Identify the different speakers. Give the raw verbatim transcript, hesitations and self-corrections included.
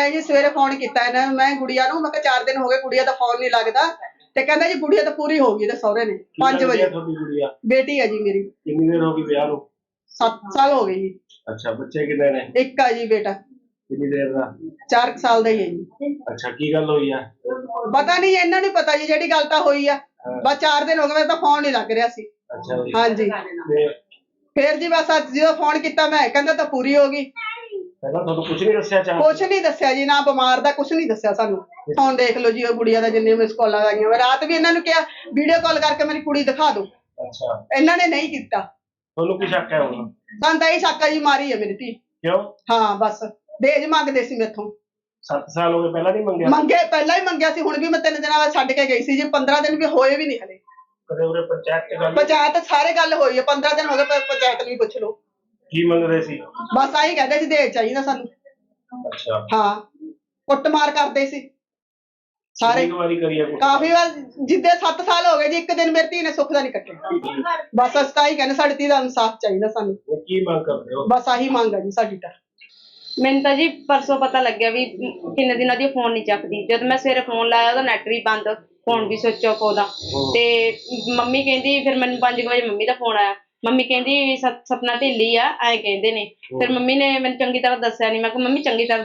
Speaker 1: ਮੈਂ ਜੀ ਸਵੇਰੇ ਫੋਨ ਕੀਤਾ ਇਹਨਾਂ ਨੂੰ, ਮੈਂ ਗੁੜੀਆ ਨੂੰ, ਮੈਂ ਕਿਹਾ ਚਾਰ ਦਿਨ ਹੋ ਗਏ ਗੁੜੀਆ ਦਾ ਫੋਨ ਨਹੀਂ ਲੱਗਦਾ, ਤੇ ਕਹਿੰਦਾ ਜੀ ਗੁੜੀਆ ਤਾਂ ਪੂਰੀ ਹੋ ਗਈ ਤੇ ਸਹੁਰੇ ਨੇ ਪੰਜ ਵਜੇ।
Speaker 2: ਤੁਹਾਡੀ ਗੁੜੀਆ
Speaker 1: ਬੇਟੀ ਹੈ ਜੀ ਮੇਰੀ।
Speaker 2: ਕਿੰਨੀ ਦੇਰ ਹੋ ਗਈ ਵਿਆਹ ਨੂੰ?
Speaker 1: ਸੱਤ ਸਾਲ ਹੋ ਗਏ ਜੀ।
Speaker 2: ਅੱਛਾ, ਬੱਚੇ ਕਿੰਨੇ ਨੇ?
Speaker 1: ਇੱਕ ਆ ਜੀ ਬੇਟਾ।
Speaker 2: ਕਿੰਨੀ ਦੇਰ ਦਾ?
Speaker 1: ਚਾਰ ਸਾਲ ਦਾ ਹੀ ਹੈ ਜੀ।
Speaker 2: ਅੱਛਾ, ਕੀ ਗੱਲ ਹੋਈ ਆ?
Speaker 1: ਪਤਾ ਨਹੀਂ, ਇਹਨਾਂ ਨੂੰ ਪਤਾ ਜੀ ਜਿਹੜੀ ਗੱਲ ਤਾਂ ਹੋਈ ਆ। ਬਸ ਚਾਰ ਦਿਨ ਹੋ ਗਏ, ਮੇਰਾ ਤਾਂ ਫੋਨ ਨਹੀਂ ਲੱਗ ਰਿਹਾ ਸੀ।
Speaker 2: ਅੱਛਾ ਜੀ।
Speaker 1: ਹਾਂਜੀ, ਫੇਰ ਜੀ ਬਸ ਅੱਜ ਜਦੋਂ ਫੋਨ ਕੀਤਾ ਮੈਂ, ਕਹਿੰਦਾ ਤਾਂ ਪੂਰੀ ਹੋ ਗਈ।
Speaker 2: ਪਹਿਲਾਂ ਤੁਹਾਨੂੰ ਕੁਝ ਨਹੀਂ ਦੱਸਿਆ? ਚਾਹ
Speaker 1: ਕੁਛ ਨਹੀਂ ਦੱਸਿਆ ਜੀ, ਨਾ ਬਿਮਾਰ ਦਾ ਕੁਛ ਨਹੀਂ ਦੱਸਿਆ ਸਾਨੂੰ। ਹੁਣ ਦੇਖ ਲਓ ਜੀ ਉਹ ਗੁੜੀਆ ਦਾ ਜਿੰਨੇ ਮਿਸ ਕਾਲਾਂ ਆਈਆਂ, ਮੈਂ ਰਾਤ ਵੀ ਇਹਨਾਂ ਨੂੰ ਕਿਹਾ ਵੀਡੀਓ ਕਾਲ ਕਰਕੇ ਮੇਰੀ ਕੁੜੀ ਦਿਖਾ ਦਿਓ।
Speaker 2: ਅੱਛਾ,
Speaker 1: ਇਹਨਾਂ ਨੇ ਨਹੀਂ ਕੀਤਾ।
Speaker 2: ਤੁਹਾਨੂੰ ਕੀ ਸ਼ੱਕ ਹੈ ਹੁਣ?
Speaker 1: ਸਾਨੂੰ ਤਾਂ ਇਹ ਸ਼ੱਕ ਆ ਜੀ ਮਾਰੀ ਹੈ ਮੇਰੀ ਧੀ।
Speaker 2: ਕਿਉਂ?
Speaker 1: ਹਾਂ ਬਸ ਦਹੇਜ ਮੰਗਦੇ ਸੀ ਮੇਥੋਂ।
Speaker 2: ਸੱਤ ਸਾਲ ਹੋ ਗਏ, ਪਹਿਲਾਂ ਨਹੀਂ ਮੰਗਿਆ?
Speaker 1: ਮੰਗੇ ਪਹਿਲਾਂ ਹੀ ਮੰਗਿਆ ਸੀ, ਹੁਣ ਵੀ ਮੈਂ ਤਿੰਨ ਦਿਨਾਂ ਬਾਅਦ ਛੱਡ ਕੇ ਗਈ ਸੀ ਜੀ। ਪੰਦਰਾਂ ਦਿਨ ਵੀ ਹੋਏ ਵੀ ਨਹੀਂ ਹਲੇ।
Speaker 2: ਕਦੇ ਉਰੇ ਪੰਚਾਇਤ ਚ ਗੱਲ?
Speaker 1: ਪੰਚਾਇਤ ਸਾਰੇ ਗੱਲ ਹੋਈ ਹੈ, ਪੰਦਰਾਂ ਦਿਨ ਹੋ ਗਏ, ਪੰਚਾਇਤ ਨੂੰ ਪੁੱਛ ਲਓ।
Speaker 2: ਕੀ ਮੰਗਦੇ ਸੀ?
Speaker 1: ਬਸ ਆਹੀ ਕਹਿੰਦੇ ਸੀ ਦਹੇਜ ਚਾਹੀਦਾ ਸਾਨੂੰ।
Speaker 2: ਅੱਛਾ,
Speaker 1: ਹਾਂ, ਕੁੱਟਮਾਰ ਕਰਦੇ ਸੀ ਸਾਰੇ।
Speaker 2: ਕਿੰਨੀ ਵਾਰੀ ਕਰੀ ਆ ਕੁੱਟ?
Speaker 1: ਕਾਫੀ ਵਾਰ, ਜਿੱਦੇ ਸੱਤ ਸਾਲ ਹੋ ਗਏ ਜੀ, ਇੱਕ ਦਿਨ ਮੇਰੀ ਧੀ ਨੇ ਸੁੱਖ ਦਾ ਨਹੀਂ ਕੱਟਿਆ। ਬਸ ਅਸੀਂ ਤਾਂ ਹੀ ਕਹਿੰਦੇ ਸਾਡੀ ਧੀ ਦਾ ਇਨਸਾਫ ਚਾਹੀਦਾ ਸਾਨੂੰ।
Speaker 2: ਕੀ ਮੰਗ ਕਰਦੇ ਹੋ?
Speaker 1: ਬਸ ਆਹੀ ਮੰਗ ਹੈ ਜੀ ਸਾਡੀ ਤਾਂ।
Speaker 3: ਮੈਨੂੰ ਤਾਂ ਜੀ ਪਰਸੋਂ ਪਤਾ ਲੱਗਿਆ ਵੀ ਕਿੰਨੇ ਦਿਨਾਂ ਦੀ ਫੋਨ ਨਹੀਂ ਚੱਕਦੀ। ਜਦ ਮੈਂ ਸਵੇਰੇ ਫੋਨ ਲਾਇਆ ਉਹਦਾ ਨੈਟ ਵੀ ਬੰਦ, ਫੋਨ ਵੀ ਸਵਿਚ ਆਫ ਉਹਦਾ। ਤੇ ਮੰਮੀ ਕਹਿੰਦੀ, ਫਿਰ ਮੈਨੂੰ ਪੰਜ ਵਜੇ ਮੰਮੀ ਦਾ ਫੋਨ ਆਇਆ। ਮੰਮੀ ਕਹਿੰਦੀ ਸਪਨਾ ਢਿੱਲੀ ਆ, ਐਂ ਕਹਿੰਦੇ ਨੇ। ਫਿਰ ਮੰਮੀ ਨੇ ਮੈਨੂੰ ਚੰਗੀ ਤਰ੍ਹਾਂ ਦੱਸਿਆ ਨਹੀਂ। ਮੈਂ ਕਿਹਾ ਮੰਮੀ ਚੰਗੀ ਤਰ੍ਹਾਂ